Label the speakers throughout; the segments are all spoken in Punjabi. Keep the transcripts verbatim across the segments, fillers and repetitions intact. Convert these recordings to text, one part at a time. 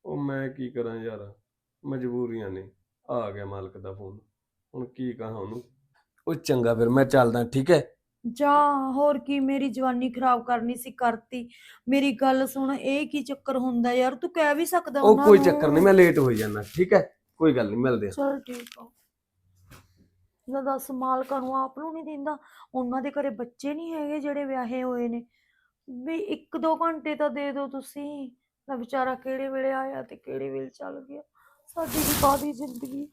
Speaker 1: ਉਹ ਮੈਂ ਕੀ ਕਰਾਂ ਯਾਰ, ਮਜਬੂਰੀਆਂ ਨੇ। ਆ ਗਿਆ ਮਾਲਕ ਦਾ ਫੋਨ, ਹੁਣ ਕੀ ਕਹਾਂ ਉਹਨੂੰ। ਉਹ ਚੰਗਾ ਫਿਰ ਮੈਂ ਚੱਲਦਾ, ਠੀਕ ਹੈ।
Speaker 2: ਜਾ, ਹੋਰ ਕੀ, ਮੇਰੀ ਜਵਾਨੀ ਖਰਾਬ ਕਰਨੀ ਸੀ ਕਰਤੀ। ਮੇਰੀ ਗੱਲ ਸੁਣ, ਇਹ ਕੀ ਚੱਕਰ ਹੁੰਦਾ ਯਾਰ, ਤੂੰ ਕਹਿ ਵੀ ਸਕਦਾ
Speaker 1: ਉਹ
Speaker 2: ਉਹਨਾਂ
Speaker 1: ਕੋਈ ਚੱਕਰ ਨਹੀਂ,
Speaker 2: ਨੂੰ।
Speaker 1: ਮੈਂ ਲੇਟ ਹੋਈ ਜਾਂਦਾ, ਠੀਕ ਹੈ। ਕੋਈ ਗੱਲ ਨਹੀਂ, ਮਿਲਦੇ ਆ।
Speaker 2: ਚਲ ਠੀਕ ਆ। ਨਾ ਦੱਸ, ਮਾਲਕਾਂ ਨੂੰ ਆਪ ਨੂੰ ਨਹੀਂ ਦਿੰਦਾ? ਉਹਨਾਂ ਦੇ ਘਰੇ ਬੱਚੇ ਨਹੀਂ ਹੈਗੇ ਜਿਹੜੇ ਵਿਆਹੇ ਹੋਏ ਨੇ? ਵੀ ਇੱਕ ਦੋ ਘੰਟੇ ਤਾਂ ਦੇ ਦਿਓ ਤੁਸੀਂ। ਨਾ ਵਿਚਾਰਾ ਕਿਹੜੇ ਵੇਲੇ ਆਇਆ ਤੇ ਕਿਹੜੇ ਵੇਲੇ ਚੱਲ ਗਿਆ। ਸਾਡੀ ਵੀ ਕਾਹਦੀ ਜ਼ਿੰਦਗੀ।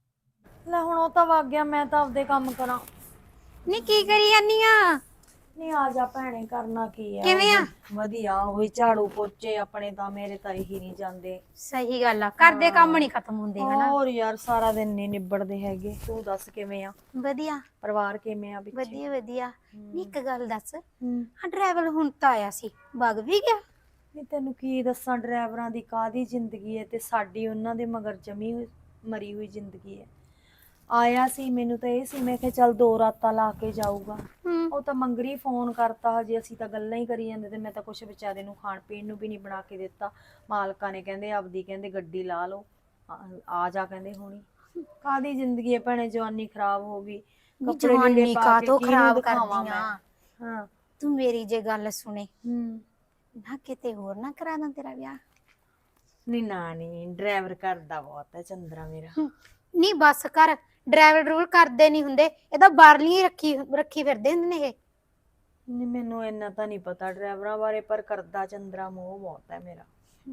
Speaker 2: ਲੈ ਹੁਣ ਉਹ ਤਾਂ ਵਗ ਗਿਆ, ਮੈਂ ਤਾਂ ਆਪਦੇ ਕੰਮ ਕਰਾਂ।
Speaker 3: ਨੀ ਕੀ ਕਰੀ ਜਾਨੀ ਆ?
Speaker 2: ਨਹੀਂ ਆ ਜਾ ਭੈਣੇ, ਕਰਨਾ ਕੀ ਆ।
Speaker 3: ਕਿਵੇਂ ਆ?
Speaker 2: ਵਧੀਆ, ਉਹੀ ਝਾੜੂ ਪੋਚੇ ਆਪਣੇ ਤਾਂ, ਮੇਰੇ ਤਾਂ ਇਹੀ ਨਹੀਂ ਜਾਂਦੇ।
Speaker 3: ਸਹੀ ਗੱਲ ਆ, ਕਰਦੇ ਕੰਮ ਨਹੀਂ ਖਤਮ ਹੁੰਦੇ ਹਨਾ।
Speaker 2: ਹੋਰ ਯਾਰ, ਸਾਰਾ ਦਿਨ ਨਹੀਂ ਨਿਬੜਦੇ ਹੈਗੇ। ਤੂੰ ਦੱਸ ਕਿਵੇਂ ਆ?
Speaker 3: ਵਧੀਆ
Speaker 2: ਪਰਿਵਾਰ ਕਿਵੇਂ ਆ ਪਿੱਛੇ?
Speaker 3: ਵਧੀਆ ਵਧੀਆ। ਨੀ ਇੱਕ ਗੱਲ ਦੱਸ,
Speaker 2: ਹੂੰ।
Speaker 3: ਹਾਂ ਡਰਾਈਵਰ ਹੁਣ ਤਾਂ ਆਇਆ ਸੀ, ਵਗ ਵੀ ਗਿਆ?
Speaker 2: ਨਹੀਂ ਤੈਨੂੰ ਕੀ ਦੱਸਾਂ, ਡਰਾਈਵਰਾਂ ਦੀ ਕਾਹਦੀ ਜ਼ਿੰਦਗੀ ਹੈ ਤੇ ਸਾਡੀ ਉਹਨਾਂ ਦੇ ਮਗਰ ਜਮੀ ਹੋਈ ਮਰੀ ਹੋਈ ਜ਼ਿੰਦਗੀ ਹੈ। ਆਇਆ ਸੀ, ਮੈਨੂੰ ਤਾਂ ਇਹ ਸੀ, ਮੈਂ ਕਿਹਾ ਚੱਲ ਦੋ ਰਾਤਾਂ ਲਾ ਕੇ ਜਾਊਗਾ।
Speaker 3: ਹੂੰ।
Speaker 2: ਉਹ ਤਾਂ ਮੰਗਰੀ ਫੋਨ ਕਰਤਾ, ਹਜੇ ਅਸੀਂ ਤਾਂ ਗੱਲਾਂ ਹੀ ਕਰੀ ਜਾਂਦੇ ਤੇ ਮੈਂ ਤਾਂ ਕੁਛ ਵਿਚਾਰੇ ਨੂੰ ਖਾਣ ਪੀਣ ਨੂੰ ਵੀ ਨਹੀਂ ਬਣਾ ਕੇ ਦਿੱਤਾ। ਮਾਲਕਾਂ ਨੇ ਕਹਿੰਦੇ ਆਪਦੀ, ਕਹਿੰਦੇ ਗੱਡੀ ਲਾ ਲਓ, ਆ ਆ ਜਾ ਕਹਿੰਦੇ ਹੁਣੀ। ਕਾਹਦੀ ਜ਼ਿੰਦਗੀ ਹੈ ਭੈਣੇ, ਜਵਾਨੀ ਖਰਾਬ ਹੋ ਗਈ। ਕੱਪੜੇ ਲੀੜੇ
Speaker 3: ਜਵਾਨੀ
Speaker 2: ਪਾ ਕੇ
Speaker 3: ਕਾਹਤੋਂ
Speaker 2: ਕਿਹਨੂੰ
Speaker 3: ਖਰਾਬ
Speaker 2: ਦਿਖਾਵਾਂ
Speaker 3: ਕਰਦੀ
Speaker 2: ਮੈਂ?
Speaker 3: ਆ?
Speaker 2: ਹਾਂ।
Speaker 3: ਤੂੰ ਮੇਰੀ ਜੇ ਗੱਲ ਸੁਣੇ,
Speaker 2: ਹੂੰ।
Speaker 3: ਨਾ ਕਿਤੇ ਹੋਰ ਨਾ ਕਰਾ ਦਾਂ ਤੇਰਾ ਵਿਆਹ।
Speaker 2: ਨਹੀਂ ਨਾ, ਨਹੀਂ ਡਰਾਈਵਰ ਕਰਦਾ ਬਹੁਤ ਹੈ ਚੰਦਰਾ ਮੇਰਾ।
Speaker 3: ਨਹੀਂ ਬਸ ਕਰ, ਡਰਾਈਵਰ ਡਰੂਵਰ ਕਰਦੇ ਨਹੀਂ ਹੁੰਦੇ, ਇਹ ਤਾਂ ਬਾਹਰਲੀ ਰੱਖੀ ਰੱਖੀ ਫਿਰਦੇ ਹੁੰਦੇ ਨੇ ਇਹ।
Speaker 2: ਨਹੀਂ ਮੈਨੂੰ ਇੰਨਾ ਤਾਂ ਨਹੀਂ ਪਤਾ ਡਰਾਈਵਰਾਂ ਬਾਰੇ, ਪਰ ਕਰਦਾ ਚੰਦਰਾ ਮੋਹ ਬਹੁਤ ਹੈ ਮੇਰਾ।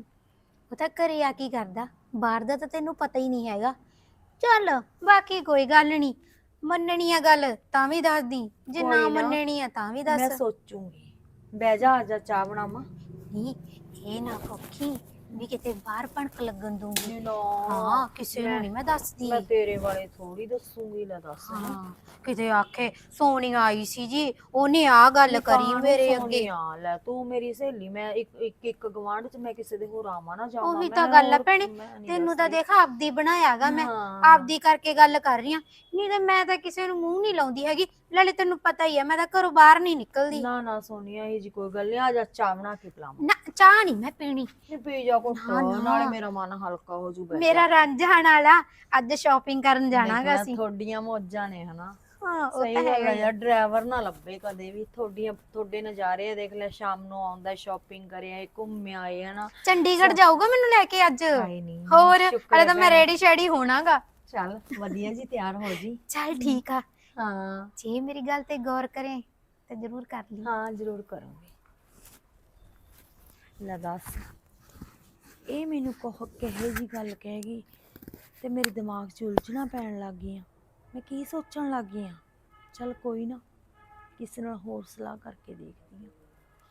Speaker 3: ਉਹ ਤਾਂ ਘਰੇ ਆ ਕੀ ਕਰਦਾ, ਬਾਹਰ ਦਾ ਤਾਂ ਤੈਨੂੰ ਪਤਾ ਹੀ ਨਹੀਂ ਹੈਗਾ। ਚੱਲ ਬਾਕੀ ਕੋਈ ਗੱਲ ਨਹੀਂ, ਮੰਨਣੀ ਆ ਗੱਲ ਤਾਂ ਵੀ ਦੱਸਦੀ, ਜੇ ਨਾ
Speaker 2: ਕੋਈ ਨਾ,
Speaker 3: ਮੰਨਣੀ ਆ ਤਾਂ ਵੀ
Speaker 2: ਮੈਂ
Speaker 3: ਦੱਸ।
Speaker 2: ਸੋਚੂਗੀ। ਬਹਿ ਜਾ, ਆ ਜਾ, ਚਾਹ ਬਣਾਵਾਂ।
Speaker 3: ਨਹੀਂ ਇਹ ਨਾ ਕੋਖੀ ਵੀ ਕਿਤੇ ਬਾਹਰ ਭਣਕ ਲੱਗਣ ਦੂੰਗੀ।
Speaker 2: ਨਾ,
Speaker 3: ਹਾਂ ਕਿਸੇ ਨੂੰ ਨਹੀਂ ਮੈਂ ਦੱਸਦੀ।
Speaker 2: ਮੈਂ ਤੇਰੇ ਬਾਰੇ ਥੋੜੀ ਦੱਸੂਗੀ, ਲੈ ਦੱਸ।
Speaker 3: ਹਾਂ ਕਿਤੇ ਆਖੇ ਸੋਨੀ ਆਈ ਸੀ ਜੀ, ਉਹਨੇ ਆ ਗੱਲ ਕਰੀ ਮੇਰੇ ਅੱਗੇ।
Speaker 2: ਆ ਲੈ, ਤੂੰ ਮੇਰੀ ਸਹੇਲੀ, ਮੈਂ ਇੱਕ ਇੱਕ ਇੱਕ ਗਵਾਂਢ ਚ ਮੈਂ ਕਿਸੇ ਦੇ ਹੋਰ ਆਵਾਂ ਨਾ ਜਾਵਾਂ?
Speaker 3: ਉਹੀ
Speaker 2: ਮੈਂ
Speaker 3: ਤਾਂ ਗੱਲ ਆ
Speaker 2: ਹੋਰ-
Speaker 3: ਭੈਣੇ,
Speaker 2: ਮੈਂ ਨੀ
Speaker 3: ਤੈਨੂੰ ਤਾਂ
Speaker 2: ਦੱਸਦੀ।
Speaker 3: ਦੇਖ ਆਪਦੀ ਬਣਾਇਆਗਾ ਮੈਂ,
Speaker 2: ਹਾਂ।
Speaker 3: ਆਪਦੀ ਕਰਕੇ ਗੱਲ ਕਰ ਰਹੀ ਆ। ਨਹੀਂ ਤੇ ਮੈਂ ਤਾਂ ਕਿਸੇ ਨੂੰ ਮੂੰਹ ਨਹੀਂ ਲਾਉਂਦੀ ਹੈਗੀ। ਨਾਲੇ ਤੈਨੂੰ ਪਤਾ ਹੀ ਆ, ਮੈਂ ਤਾਂ ਘਰੋਂ ਬਾਹਰ ਨਹੀਂ ਨਿਕਲਦੀ।
Speaker 2: ਨਾ ਨਾ ਸੋਨੀਆ, ਇਹ ਜੀ ਕੋਈ ਗੱਲ ਨਹੀਂ, ਆ ਜਾ ਚਾਹ ਬਣਾ ਕੇ ਪਿਲਾਵਾਂ।
Speaker 3: ਨਾ ਚਾਹ ਨਹੀਂ ਮੈਂ ਪੀਣੀ।
Speaker 2: ਨਹੀਂ ਪੀ ਜਾ ਕੁੱਟ,
Speaker 3: ਨਾ, ਨਾ।
Speaker 2: ਨਾਲੇ ਮੇਰਾ ਮਨ ਹਲਕਾ ਹੋ ਜੂ।
Speaker 3: ਮੇਰਾ ਰਾਂਝਾਣ ਵਾਲਾ ਅੱਜ ਸ਼ਾਪਿੰਗ ਕਰਨ ਜਾਣਾਗਾ ਅਸੀਂ।
Speaker 2: ਤੁਹਾਡੀਆਂ ਮੌਜਾਂ ਨੇ ਹਨਾ।
Speaker 3: ਹਾਂ ਉਹ
Speaker 2: ਸਹੀ
Speaker 3: ਤਾਂ
Speaker 2: ਗੱਲ
Speaker 3: ਹੈਗਾ
Speaker 2: ਹੈ
Speaker 3: ਹੀ ਆ।
Speaker 2: ਯਾਰ, ਡਰਾਈਵਰ ਨਾ ਲੱਭੇ ਕਦੇ ਵੀ। ਤੁਹਾਡੀਆਂ ਤੁਹਾਡੇ ਨਜ਼ਾਰੇ ਆ, ਦੇਖ ਲੈ, ਸ਼ਾਮ ਨੂੰ ਆਉਂਦਾ, ਸ਼ਾਪਿੰਗ ਕਰਿਆ, ਘੁੰਮ ਆਏ ਹਨਾ।
Speaker 3: ਚੰਡੀਗੜ੍ਹ ਜਾਊਗਾ ਮੈਨੂੰ ਲੈ ਕੇ ਅੱਜ।
Speaker 2: ਹਾਏ ਨੀ,
Speaker 3: ਹੋਰ
Speaker 2: ਸ਼ੁਕਰ
Speaker 3: ਹਲੇ
Speaker 2: ਹੈ
Speaker 3: ਤਾਂ ਮੈਂ
Speaker 2: ਭੈਣੇ।
Speaker 3: ਰੈਡੀ ਸ਼ੈਡੀ ਹੋਣਾਗਾ।
Speaker 2: ਚੱਲ ਵਧੀਆ ਜੀ, ਤਿਆਰ ਹੋ ਜੀ।
Speaker 3: ਚੱਲ ਠੀਕ ਆ,
Speaker 2: ਹਾਂ
Speaker 3: ਜੇ ਮੇਰੀ ਗੱਲ ਤੇ ਗੌਰ ਕਰੇ ਤੇ ਜ਼ਰੂਰ ਕਰ ਲਈ।
Speaker 2: ਹਾਂ, ਜ਼ਰੂਰ ਕਰਾਂਗੇ। ਲੈ ਦੱਸ, ਇਹ ਮੈਨੂੰ ਕਹ ਕਹੇ ਜੀ ਗੱਲ ਕਹਿ ਗਈ ਤੇ ਮੇਰੇ ਦਿਮਾਗ 'ਚ ਉਲਝਣਾ ਪੈਣ ਲੱਗ ਗਈਆਂ। ਮੈਂ ਕੀ ਸੋਚਣ ਲੱਗ ਗਈ ਆ? ਚੱਲ ਕੋਈ ਨਾ, ਕਿਸੇ ਨਾਲ ਹੋਰ ਸਲਾਹ ਕਰਕੇ ਦੇਖਦੀ ਹਾਂ।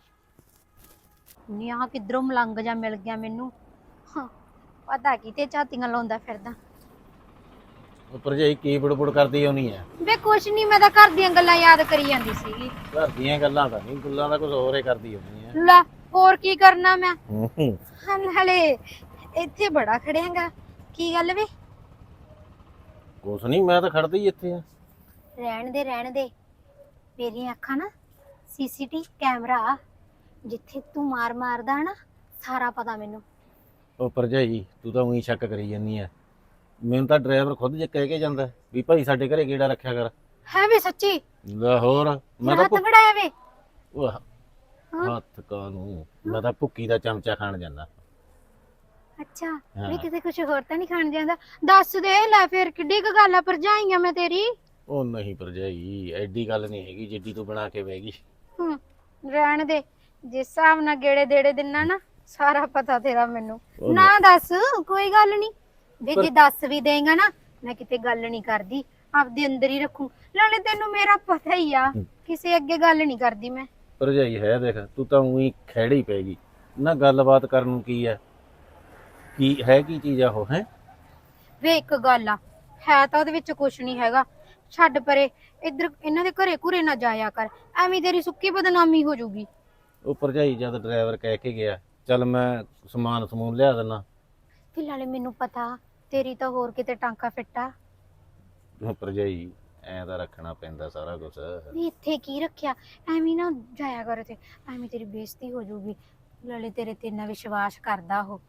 Speaker 3: ਨੀ ਆ ਕਿਧਰੋਂ ਮਲੰਗ ਜਾ ਮਿਲ ਗਿਆ ਮੈਨੂੰ। ਹਾਂ, ਪਤਾ ਕਿਤੇ ਝਾਤੀਆਂ ਲਾਉਂਦਾ ਫਿਰਦਾ।
Speaker 4: ਉਹ ਭਰਜਾਈ ਕੀ ਬੁੜਬੁੜ ਕਰਦੀ ਹੋਣੀ ਐ?
Speaker 3: ਵੇ ਕੁਛ ਨਹੀਂ, ਮੈਂ ਤਾਂ ਘਰ ਦੀਆਂ ਗੱਲਾਂ ਯਾਦ ਕਰੀ ਜਾਂਦੀ ਸੀਗੀ।
Speaker 4: ਘਰ ਦੀਆਂ ਗੱਲਾਂ ਤਾਂ ਨਹੀਂ, ਗੱਲਾਂ ਦਾ ਕੁਝ ਹੋਰ ਹੀ ਕਰਦੀ ਹੋਣੀ ਐ।
Speaker 3: ਲੈ ਹੋਰ ਕੀ ਕਰਨਾ ਮੈਂ?
Speaker 4: ਹੂੰ।
Speaker 3: ਹਲੇ ਇੱਥੇ ਬੜਾ ਖੜਿਆਗਾ, ਕੀ ਗੱਲ ਵੇ?
Speaker 4: ਕੁਛ ਨਹੀਂ, ਮੈਂ ਤਾਂ ਖੜਦਾ ਹੀ ਇੱਥੇ ਆ।
Speaker 3: ਰਹਿਣ ਦੇ ਰਹਿਣ ਦੇ, ਮੇਰੀਆਂ ਅੱਖਾਂ ਨਾ ਸੀਸੀਟੀ ਕੈਮਰਾ, ਜਿੱਥੇ ਤੂੰ ਮਾਰ ਮਾਰਦਾ ਨਾ ਸਾਰਾ ਪਤਾ ਮੈਨੂੰ।
Speaker 4: ਉਹ ਭਰਜਾਈ ਤੂੰ ਤਾਂ ਉਹੀ ਸ਼ੱਕ ਕਰੀ ਜਾਂਦੀ ਐ। ਮੈਨੂੰ ਤਾਂ ਡਰਾਈਵਰ ਖੁਦ ਜੇ ਕਹਿ ਕੇ ਜਾਂਦਾ ਵੀ ਭਾਈ ਸਾਡੇ ਘਰੇ ਗੇੜਾ ਰੱਖਿਆ ਕਰ।
Speaker 3: ਹੈ ਵੇ ਸੱਚੀ?
Speaker 4: ਲੈ ਹੋਰ, ਮੈਂ ਤਾਂ
Speaker 3: ਹੱਥ ਫੜਾਇਆ ਵੇ?
Speaker 4: ਉਹ ਹੱਥ ਕਾਨੂੰ, ਮੈਂ ਤਾਂ ਭੁੱਕੀ ਦਾ ਚਮਚਾ ਖਾਣ ਜਾਂਦਾ।
Speaker 3: ਅੱਛਾ
Speaker 4: ਹਾਂ।
Speaker 3: ਵੀ ਕਿਤੇ ਕੁਝ ਹੋਰ ਤਾਂ ਨਹੀਂ ਖਾਣ ਜਾਂਦਾ? ਦੱਸ ਦੇ ਲੈ, ਫਿਰ ਕਿੱਡੀ ਕੁ ਗੱਲ ਆ, ਭਰਜਾਈਆਂ ਮੈਂ ਤੇਰੀ।
Speaker 4: ਉਹ ਨਹੀਂ ਭਰਜਾਈ, ਐਡੀ ਗੱਲ ਨਹੀਂ ਹੈਗੀ ਜਿੱਡੀ ਤੂੰ ਬਣਾ ਕੇ ਬਹਿ ਗਈ।
Speaker 3: ਹੂੰ, ਰਹਿਣ ਦੇ, ਜਿਸ ਹਿਸਾਬ ਨਾਲ ਗੇੜੇ ਦੇੜੇ ਦਿਨਾ ਨਾ ਸਾਰਾ ਪਤਾ ਤੇਰਾ ਮੈਨੂੰ।
Speaker 4: ਉਹ
Speaker 3: ਨਾ ਦੱਸ, ਕੋਈ ਗੱਲ ਨਹੀਂ ਵੇ,
Speaker 4: ਪਰ-
Speaker 3: ਜੇ ਦੱਸ ਵੀ ਦੇਗਾ ਨਾ ਮੈਂ ਕਿਤੇ ਗੱਲ ਨਹੀਂ ਕਰਦੀ, ਆਪਦੇ ਅੰਦਰ ਹੀ ਰੱਖੂ। ਨਾਲੇ ਤੈਨੂੰ ਮੇਰਾ ਪਤਾ ਹੀ ਆ, ਕਿਸੇ ਅੱਗੇ ਗੱਲ ਨਹੀਂ ਕਰਦੀ ਮੈਂ।
Speaker 4: ਭਰਜਾਈ ਹੈ ਦੇਖ, ਤੂੰ ਤਾਂ ਉਹੀ ਖਹਿੜੀ ਪੈ ਗਈ ਨਾ। ਗੱਲਬਾਤ ਕਰਨ ਨੂੰ ਕੀ ਹੈ, ਕੀ ਹੈ, ਕੀ ਚੀਜ਼ ਆ ਉਹ ਹੈ?
Speaker 3: ਵੇ ਇੱਕ ਗੱਲ ਆ, ਹੈ ਤਾਂ ਉਹਦੇ ਵਿੱਚ ਕੁਛ ਨਹੀਂ ਹੈਗਾ। ਛੱਡ ਪਰੇ, ਇੱਧਰ ਇਹਨਾਂ ਦੇ ਘਰੇ ਘੁਰੇ ਨਾ ਜਾਇਆ ਕਰ, ਐਵੇਂ ਤੇਰੀ ਸੁੱਕੀ ਬਦਨਾਮੀ ਹੋ ਜਾਊਗੀ।
Speaker 4: ਉਹ ਭਰਜਾਈ ਜਦ ਡਰਾਈਵਰ ਕਹਿ ਕੇ ਗਿਆ, ਚੱਲ ਮੈਂ ਸਮਾਨ ਸਮੂਨ ਲਿਆ ਦਿੰਦਾ।
Speaker 3: ਫਿਲਹਾਲ ਮੈਨੂੰ ਪਤਾ ਤੇਰੀ ਤਾਂ ਹੋਰ ਕਿਤੇ ਟਾਂਕਾ ਫਿੱਟਾ।
Speaker 4: ਉਹ ਭਰਜਾਈ ਐਂ ਤਾਂ ਰੱਖਣਾ ਪੈਂਦਾ ਸਾਰਾ ਕੁਛ।
Speaker 3: ਵੀ ਇੱਥੇ ਕੀ ਰੱਖਿਆ, ਐਵੇਂ ਨਾ ਜਾਇਆ ਕਰ ਤੇ, ਐਵੇਂ ਤੇਰੀ ਬੇਇੱਜ਼ਤੀ ਹੋ ਜਾਊਗੀ। ਨਾਲੇ ਤੇਰੇ ਤੇ ਇੰਨਾ ਵਿਸ਼ਵਾਸ ਕਰਦਾ ਉਹ।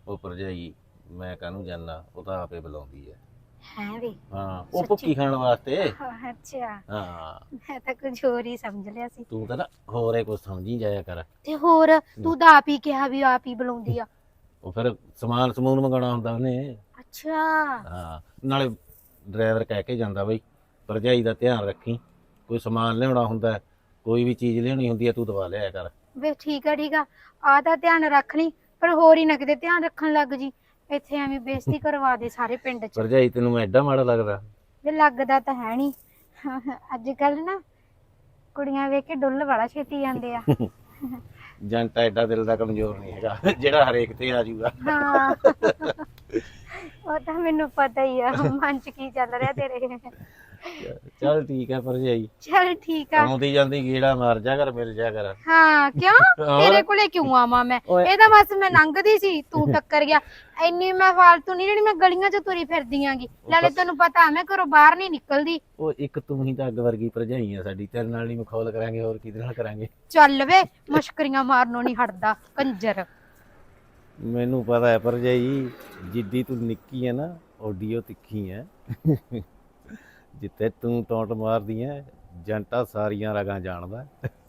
Speaker 4: ਉਹ ਭਰਜਾਈ ਮੈਂ ਕਾਹਨੂੰ ਜਾਣਾ, ਉਹ ਤਾਂ ਆਪੇ ਬੁਲਾਉਂਦੀ ਹੈ।
Speaker 3: ਹੈ ਵੇ
Speaker 4: ਹਾਂ ਉਹ
Speaker 3: ਸੱਚੀ?
Speaker 4: ਭੁੱਕੀ ਖਾਣ ਵਾਸਤੇ।
Speaker 3: ਅੱਛਾ,
Speaker 4: ਹਾਂ
Speaker 3: ਮੈਂ ਤਾਂ ਕੁਝ ਹੋਰ ਹੀ ਸਮਝ ਲਿਆ ਸੀ।
Speaker 4: ਤੂੰ ਤਾਂ ਨਾ ਹੋਰ ਇਹ ਕੁਝ ਸਮਝੀ ਜਾਇਆ ਕਰ।
Speaker 3: ਤੇ ਹੋਰ ਤੂੰ ਤਾਂ ਆਪ ਹੀ ਕਿਹਾ ਵੀ ਆਪ ਹੀ ਬੁਲਾਉਂਦੀ ਆ।
Speaker 4: ਉਹ ਫਿਰ ਸਮਾਨ ਸਮੂਨ ਮੰਗਾਉਣਾ ਹੁੰਦਾ ਉਹਨੇ।
Speaker 3: ਅੱਛਾ,
Speaker 4: ਹਾਂ ਨਾਲੇ ਡਰਾਈਵਰ ਕਹਿ ਕੇ ਜਾਂਦਾ ਬਈ ਭਰਜਾਈ ਦਾ ਧਿਆਨ ਰੱਖੀ, ਕੋਈ ਸਮਾਨ ਲਿਆਉਣਾ ਹੁੰਦਾ, ਕੋਈ ਵੀ ਚੀਜ਼ ਲਿਆਉਣੀ ਹੁੰਦੀ ਹੈ ਤੂੰ ਦਵਾ ਲਿਆਇਆ ਕਰ।
Speaker 3: ਵੇ ਠੀਕ ਆ ਠੀਕ ਆ, ਆ ਤਾਂ ਧਿਆਨ ਰੱਖ ਲਈ, ਪਰ ਹੋਰ ਹੀ ਨਾ ਕਿਤੇ ਧਿਆਨ ਰੱਖਣ ਲੱਗ ਜੀ, ਇੱਥੇ ਐਵੇਂ ਬੇਇੱਜ਼ਤੀ ਕਰਵਾ ਦੇ ਸਾਰੇ ਪਿੰਡ 'ਚ।
Speaker 4: ਭਰਜਾਈ ਤੈਨੂੰ ਮੈਂ ਐਡਾ ਮਾੜਾ ਲੱਗਦਾ?
Speaker 3: ਵੇ ਲੱਗਦਾ ਤਾਂ ਹੈ ਨਹੀਂ, ਅੱਜ ਕੱਲ ਨਾ ਕੁੜੀਆਂ ਵੇਖ ਕੇ ਡੁੱਲ ਵਾਲਾ ਛੇਤੀ ਜਾਂਦੇ ਆ।
Speaker 4: ਜੰਟਾ ਐਡਾ ਦਿਲ ਦਾ ਕਮਜ਼ੋਰ ਨਹੀਂ ਹੈਗਾ ਜਿਹੜਾ ਹਰੇਕ ਤੇ ਆ ਜਾਊਗਾ।
Speaker 3: ਹਾਂ ਉਹ ਤਾਂ ਮੈਨੂੰ ਪਤਾ ਹੀ ਆ ਮਨ 'ਚ ਕੀ ਚੱਲ ਰਿਹਾ ਤੇਰੇ।
Speaker 4: ਚੱਲ ਠੀਕ ਹੈ ਭਰਜਾਈ,
Speaker 3: ਚਲ ਠੀਕ ਆ।
Speaker 4: ਆਉਂਦੀ ਜਾਂਦੀ ਗੇੜਾ ਮਾਰ ਜਾ ਕਰ, ਮਿਲ ਜਾ ਕਰ।
Speaker 3: ਹਾਂ ਕਿਉਂ, ਤੇਰੇ ਕੋਲੇ ਕਿਉਂ ਆਵਾਂ ਮੈਂ?
Speaker 4: ਓਏ।
Speaker 3: ਇਹ ਤਾਂ ਬਸ ਮੈਂ ਲੰਘਦੀ ਸੀ, ਤੂੰ ਟੱਕਰ ਗਿਆ। ਇੰਨੀ ਮੈਂ ਫਾਲਤੂ ਨਹੀਂ ਜਿਹੜੀ ਮੈਂ ਗਲੀਆਂ 'ਚ ਤੁਰੀ ਫਿਰਦੀ ਆਂਗੀ, ਨਾਲੇ ਤੈਨੂੰ ਪਤਾ ਮੈਂ ਘਰੋਂ ਬਾਹਰ ਨਹੀਂ ਨਿਕਲਦੀ।
Speaker 4: ਉਹ ਇੱਕ ਤੂੰ ਹੀ ਤਾਂ ਅੱਗ ਵਰਗੀ ਭਰਜਾਈ ਆ ਸਾਡੀ, ਤੇਰੇ ਨਾਲ ਨਹੀਂ ਮਖੌਲ ਕਰਾਂਗੇ ਹੋਰ ਕਿਹਦੇ ਨਾਲ ਕਰਾਂਗੇ?
Speaker 3: ਚੱਲ ਵੇ, ਮਸ਼ਕਰੀਆਂ ਮਾਰਨੋਂ ਨਹੀਂ ਹਟਦਾ ਕੰਜਰ।
Speaker 4: ਮੈਨੂੰ ਪਤਾ ਹੈ ਭਰਜਾਈ, ਜਿੱਦੀ ਤੂੰ ਨਿੱਕੀ ਹੈ ਨਾ ਓਡੀ ਉਹ ਤਿੱਖੀ ਹੈ। ਜਿੱਥੇ ਤੂੰ ਟੌਂਟ ਮਾਰਦੀ ਹੈ ਜੰਟਾ ਸਾਰੀਆਂ ਰਗਾਂ ਜਾਣਦਾ।